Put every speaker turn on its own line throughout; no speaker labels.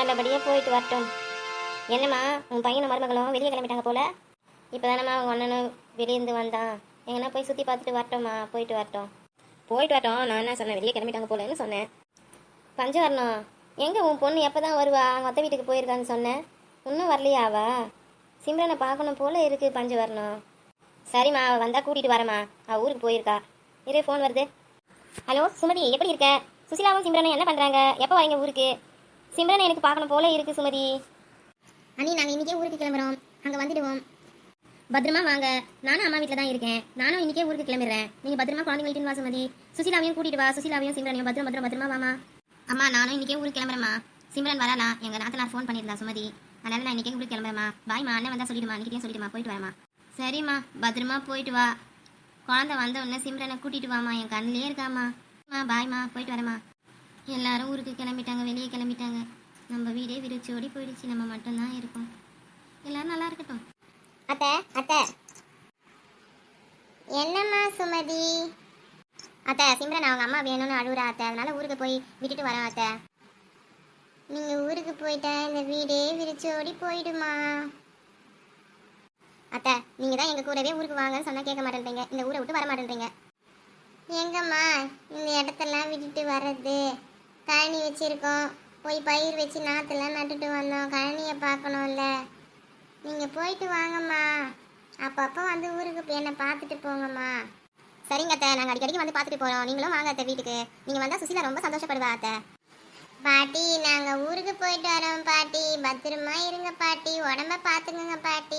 நல்லபடியாக போயிட்டு வரட்டும். என்னம்மா உன் பையனும் மருமகளும் வெளியே கிளம்பிட்டாங்க போல. இப்போ தானம்மா அவங்க அண்ணனும் வெளியேருந்து வந்தான். எங்கன்னா போய் சுற்றி பார்த்துட்டு வரட்டோம்மா. போயிட்டு வரட்டும். போயிட்டு வரட்டும். நான் என்ன சொன்னேன், வெளியே கிளம்பிட்டாங்க போலன்னு சொன்னேன். பஞ்சவரணம் எங்கே உன் பொண்ணு எப்போ தான் வருவா? அவங்க அத்தை வீட்டுக்கு போயிருக்கான்னு சொன்னேன். இன்னும் வரலையா அவ? சிம்ரனை பார்க்கணும் போல இருக்குது பஞ்சவரணம். சரிம்மா, அவள் வந்தால் கூட்டிகிட்டு வரேம்மா. அவள் ஊருக்கு போயிருக்கா. இரு, ஃபோன் வருது. ஹலோ சுமதி, எப்படி இருக்க? சுசிலாவும் சிம்ரனும் என்ன பண்ணுறாங்க? எப்போ வரீங்க ஊருக்கு? சிம்ரனை எனக்கு பார்க்கணும் போல இருக்குது சுமதி. அண்ணி, நாங்கள் இன்றைக்கே ஊருக்கு கிளம்புறோம். அங்கே வந்துடுவோம். பத்திரமா வாங்க. நானும் அம்மா வீட்டில் தான் இருக்கேன். நானும் இன்றைக்கே ஊருக்கு கிளம்பிடுறேன். நீங்கள் பத்திரமா குழந்தைங்கள்ட்டு வா சுமதி. சுசிலாவையும் கூட்டிகிட்டு வா. சுசிலாவையும் சிம்ரனையும் பத்திரமா வாமா. அம்மா, நானும் இன்றைக்கே ஊருக்கு கிளம்புறேம்மா. சிம்ரன் வரானா? எங்கள் நாத்தனார் ஃபோன் பண்ணியிருந்தா சுமதி. அதனால் நான் இன்றைக்கே ஊருக்கு கிளம்புறேம்மா. பாய்மா, அண்ணன் வந்தால் சொல்லிடுமா. இன்றைக்கே சொல்லிடுமா. போயிட்டு வரேம்மா. சரிம்மா, பத்திரமா போயிட்டு வா. குழந்தை வந்த உடனே சிம்ரனை கூட்டிகிட்டு வாமா. என் கண்ணிலே இருக்காம்மா. பாய்மா, போயிட்டு வரேம்மா. எல்லாரும் ஊருக்கு கிளம்பிட்டாங்க, வெளியே கிளம்பிட்டாங்க. நம்ம வீடே விரிச்சோடி போயிடுச்சு. நம்ம மட்டும்தான் இருக்கோம். எல்லாரும் நல்லா இருக்கட்டும்.
அத்தை அத்தை. என்னம்மா சுமதி?
அத்தை, சிம்ரன் அவங்க அம்மா வேணும்னு அழுகுறா அத்தை. அதனால ஊருக்கு போய் விட்டுட்டு வரேன் அத்தை.
நீங்கள் ஊருக்கு போயிட்டா இந்த வீடே விரிச்சோடி போயிடுமா?
அத்தை, நீங்கள் தான் எங்கள் கூடவே ஊருக்கு வாங்கன்னு சொன்னால் கேட்க மாட்டேன்றீங்க. இந்த ஊரை விட்டு வர மாட்டேன்றீங்க.
எங்கம்மா இந்த இடத்தெல்லாம் விட்டுட்டு வர்றது? கழனி வச்சுருக்கோம், போய் பயிர் வச்சு நாற்றெல்லாம் நட்டுட்டு வந்தோம். கழனியை பார்க்கணும்ல. நீங்கள் போயிட்டு வாங்கம்மா. அப்பப்போ வந்து ஊருக்கு என்னை பார்த்துட்டு போங்கம்மா.
சரிங்க அத்தை, நாங்கள் அடிக்கடிக்கு வந்து பார்த்துட்டு போகிறோம். நீங்களும் வாங்க அத்தை வீட்டுக்கு. நீங்கள் வந்தால் சுசிலா ரொம்ப சந்தோஷப்படுவா அத்தை.
பாட்டி, நாங்கள் ஊருக்கு போயிட்டு வரோம் பாட்டி. பத்திரமா இருங்க பாட்டி. உடம்ப பார்த்துக்குங்க பாட்டி.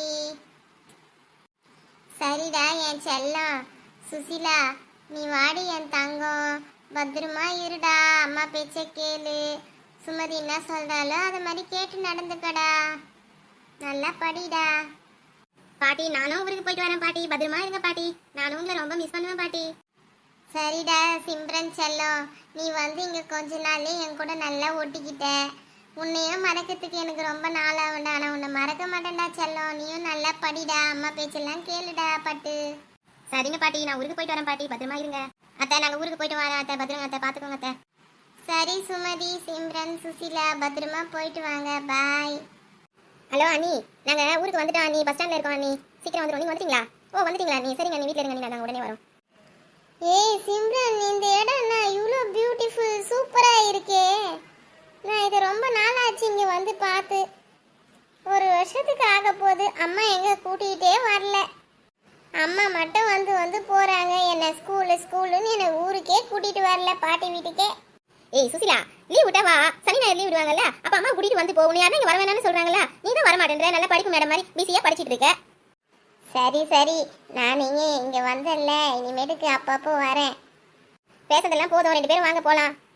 சரிடா என் செல்லம். சுசிலா, நீ வாடி என் தங்கம். பத்திரமா இருடா. அம்மா பேச்ச கேளு. சுமதி என்ன சொல்கிறாலோ அதை மாதிரி கேட்டு நடந்துக்கடா. நல்லா படிடா.
பாட்டி, நானும் ஊருக்கு போயிட்டு வரேன் பாட்டி. பத்திரமா இருங்க பாட்டி. நானும் உங்களை ரொம்ப மிஸ் பண்ணுவேன் பாட்டி.
சரிடா சிம்ரன் செல்லம், நீ வந்து இங்கே கொஞ்ச நாள்லே என் கூட நல்லா ஒட்டிக்கிட்ட. உன்னையும் மறக்கிறதுக்கு எனக்கு ரொம்ப நாள் ஆகும்டா. ஆனால் உன்னை மறக்க மாட்டேன்டா செல்லம். நீயும் நல்லா படிடா. அம்மா பேச்செல்லாம் கேளுடா பட்டு.
சரிங்க பாட்டி, நான் ஊருக்கு போயிட்டு வரேன் பாட்டி. பத்திரமா இருங்க அத்தை. நாங்கள் ஊருக்கு போயிட்டு வரேன் அத்தை. பத்திரங்க அத்தை, பார்த்துக்கோங்க அத்தை.
சரி சுமதி, சிம்ரன், சுசிலா, பத்திரமா போயிட்டு வாங்க. பாய்.
ஹலோ அண்ணி, நாங்கள் ஊருக்கு வந்துட்டோம் அண்ணி. பஸ் ஸ்டாண்டில் இருக்கோம் அண்ணி. சீக்கிரம் வந்துடும். நீங்கள் வந்துட்டீங்களா? ஓ, வந்துட்டீங்களா அண்ணி? சரிங்க அண்ணி, வீட்டில் இருங்க அண்ணி. நாங்கள் உடனே வரோம்.
ஏய் சிம்ரன், இந்த இடம்னா இவ்வளோ பியூட்டிஃபுல், சூப்பராக இருக்கே. நான் இதை ரொம்ப நாளாச்சு இங்கே வந்து பார்த்து. ஒரு வருஷத்துக்கு ஆக போகுது. அம்மா எங்கே கூட்டிகிட்டே வரல. அம்மா மட்டும் வந்து வந்து போகிறாங்க. என்னை ஸ்கூலுன்னு என்னை ஊருக்கே கூட்டிகிட்டு வரல, பாட்டி வீட்டுக்கே.
ஏய் சுசிலா, லீவ் விட்டா வா. சனி ஞாயிறு லீவ் விடுவாங்கல்ல, அப்போ அம்மா கூட்டிகிட்டு வந்து போகணும். யாரும் இங்கே வர வேணாம்னு சொல்கிறாங்களா? நீ தான் வர மாட்டேன்ற. நல்லா படிப்பு மேடம் மாதிரி பிஸியாக படிச்சுட்டு இருக்க.
சரி சரி, நான் இங்கே வந்தேன்ல, இனிமேட்டுக்கு அப்பப்போ வரேன்.
பேசுறதெல்லாம் போதும். 2 பேரும் வாங்க போகலாம்.